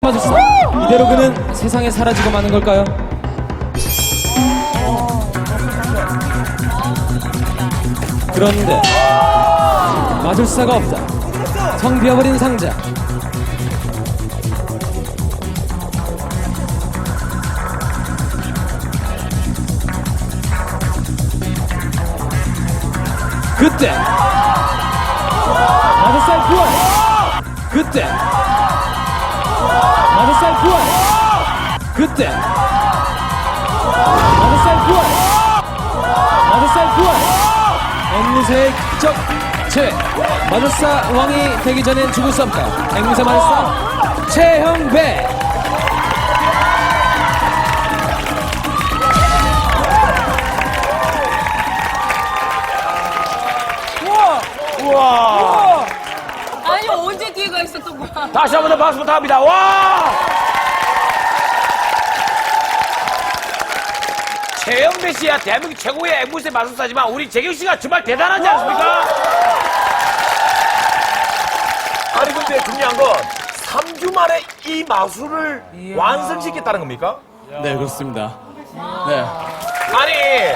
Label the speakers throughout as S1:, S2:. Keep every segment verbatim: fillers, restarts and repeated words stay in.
S1: 마술사. 이대로 그는 세상에 사라지고 마는 걸까요? 그런데 마술사가 없다. 텅 비어버린 상자. 그때 마술사의 부활. 그때 마술사의 부활. 그때 마술사의 부활. 마술사의 부활. 앵무새의 기적 체. 마술사 왕이 되기 전엔 죽을 수 없다. 앵무새 마술사 최형배.
S2: 우와!
S3: 아니 언제 뒤에가 있었던 거야?
S2: 다시 한 번 더 박수 부탁합니다. 와! 최영배 씨야 대한민국 최고의 앵무새 마술사지만 우리 재경 씨가 정말 대단하지 않습니까? 아니 근데 중요한 건 삼 주 만에 이 마술을 완성시켰다는 겁니까?
S1: 네, 그렇습니다. 네.
S2: 아니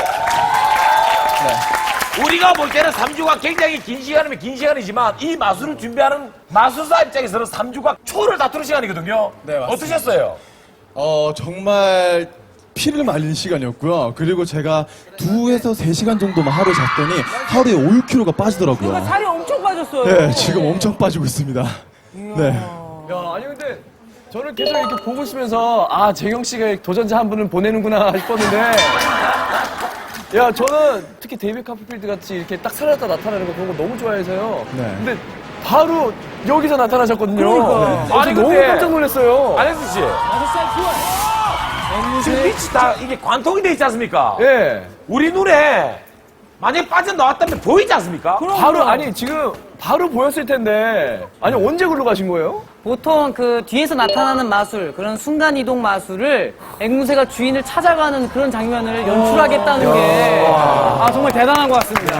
S2: 우리가 볼 때는 삼 주가 굉장히 긴 시간이면 긴 시간이지만 이 마술을 준비하는 마술사 입장에서는 삼 주가 초를 다투는 시간이거든요.
S4: 네, 맞습니다.
S2: 어떠셨어요?
S4: 어, 정말 피를 말리는 시간이었고요. 그리고 제가 두에서 세 시간 정도만 하루 잤더니 하루에 오, 육 킬로그램가 빠지더라고요.
S5: 살이 엄청 빠졌어요.
S4: 네, 지금 엄청 빠지고 있습니다. 네.
S6: 야, 아니 근데 저는 계속 이렇게 보고 있으면서 아, 재경 씨가 도전자 한 분은 보내는구나 싶었는데 야, 저는 특히 데이비 카프필드 같이 이렇게 딱 살았다 나타나는 거 그런 거 너무 좋아해서요.
S4: 네.
S6: 근데 바로 여기서 나타나셨거든요.
S5: 그러니까.
S6: 네. 아니, 너무
S2: 근데-
S6: 깜짝 놀랐어요.
S2: 안혜수 씨.
S1: 마술사의 부활.
S2: 지금
S1: 앵무새
S2: 빛이 다 이게 관통이 돼 있지 않습니까?
S6: 예.
S2: 우리 눈에 만약에 빠져나왔다면 보이지 않습니까?
S6: 바로 아니 지금 바로 보였을 텐데 아니 언제 글로 가신 거예요?
S5: 보통 그 뒤에서 나타나는 마술, 그런 순간 이동 마술을 앵무새가 주인을 찾아가는 그런 장면을 연출하겠다는 게 아, 정말 대단한 것 같습니다.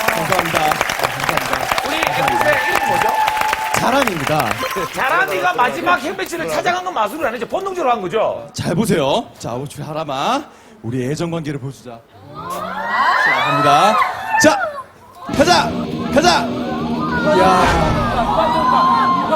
S2: 우리 앵무새 이름이 뭐죠?
S4: 자랑입니다.
S2: 자람이가 마지막 현배 씨를 찾아간 건 마술은 아니죠. 본능적으로 한 거죠.
S4: 잘 보세요. 자, 우리 하라마. 우리 애정 관계를 보여주자. 자, 갑니다. 자, 가자! 가자! 야.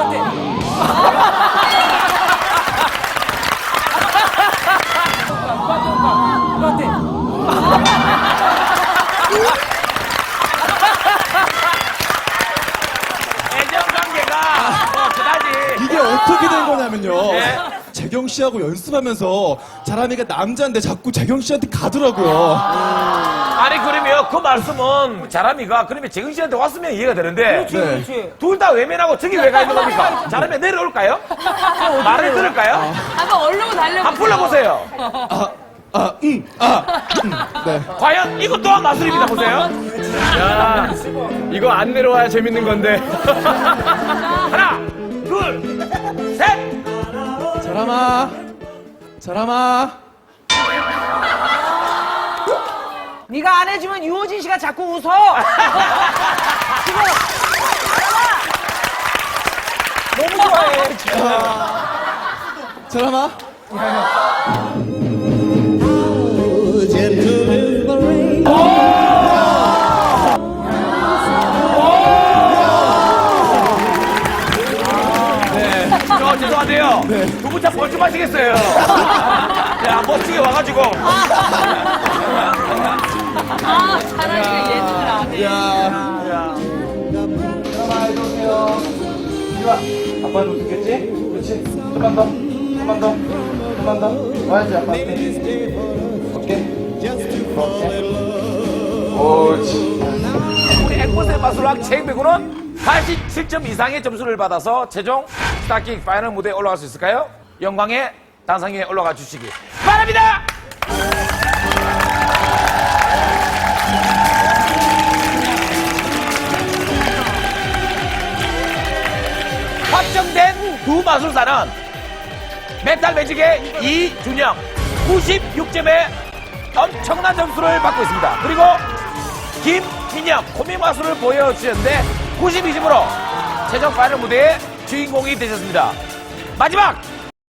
S2: 애정 관계가 뭐 그다지.
S4: 이게 어떻게 된 거냐면요.
S2: 네.
S4: 재경 씨하고 연습하면서 자람이가 남자인데 자꾸 재경 씨한테 가더라고요.
S2: 아니 그러면 그 말씀은 자람이가 그러면 재근 씨한테 왔으면 이해가 되는데
S4: 네.
S2: 둘 다 외면하고 저기 왜 가 있는 겁니까? 자람이 내려올까요? 말을 들을까요?
S3: 한번 얼른 달려.
S2: 한번 불러보세요.
S4: 아, 응, 아, 음, 네.
S2: 과연 이것 또한 마술입니다. 보세요.
S6: 야, 이거 안 내려와야 재밌는 건데.
S2: 하나, 둘, 셋.
S4: 자람아, 자람아.
S5: 네가 안 해주면 유호진 씨가 자꾸 웃어. 지금 너무 좋아해.
S4: 자람아.
S2: 저 죄송한데요. 두 분 참 멀쩡하시겠어요. 야, 멋지게 와가지고.
S3: 아, 잘하니까 예능을 안 해.
S4: 야.
S7: 아빠도 웃겠지? 그렇지? 좀만 더, 좀만 더, 좀만 더. 와야지, 아빠한테. 오케이? 오케이. 옳지.
S2: 우리 앵무새 마술학 최행배구는 팔십칠 점 이상의 점수를 받아서 최종 스타킹 파이널 무대에 올라갈 수 있을까요? 영광의 단상에 올라가 주시기 바랍니다! 확정된 두 마술사는 메탈 매직의 이준영 구십육 점의 엄청난 점수를 받고 있습니다. 그리고 김민영 코믹 마술을 보여주셨는데 구십이 점으로 최종 파이널 무대의 주인공이 되셨습니다. 마지막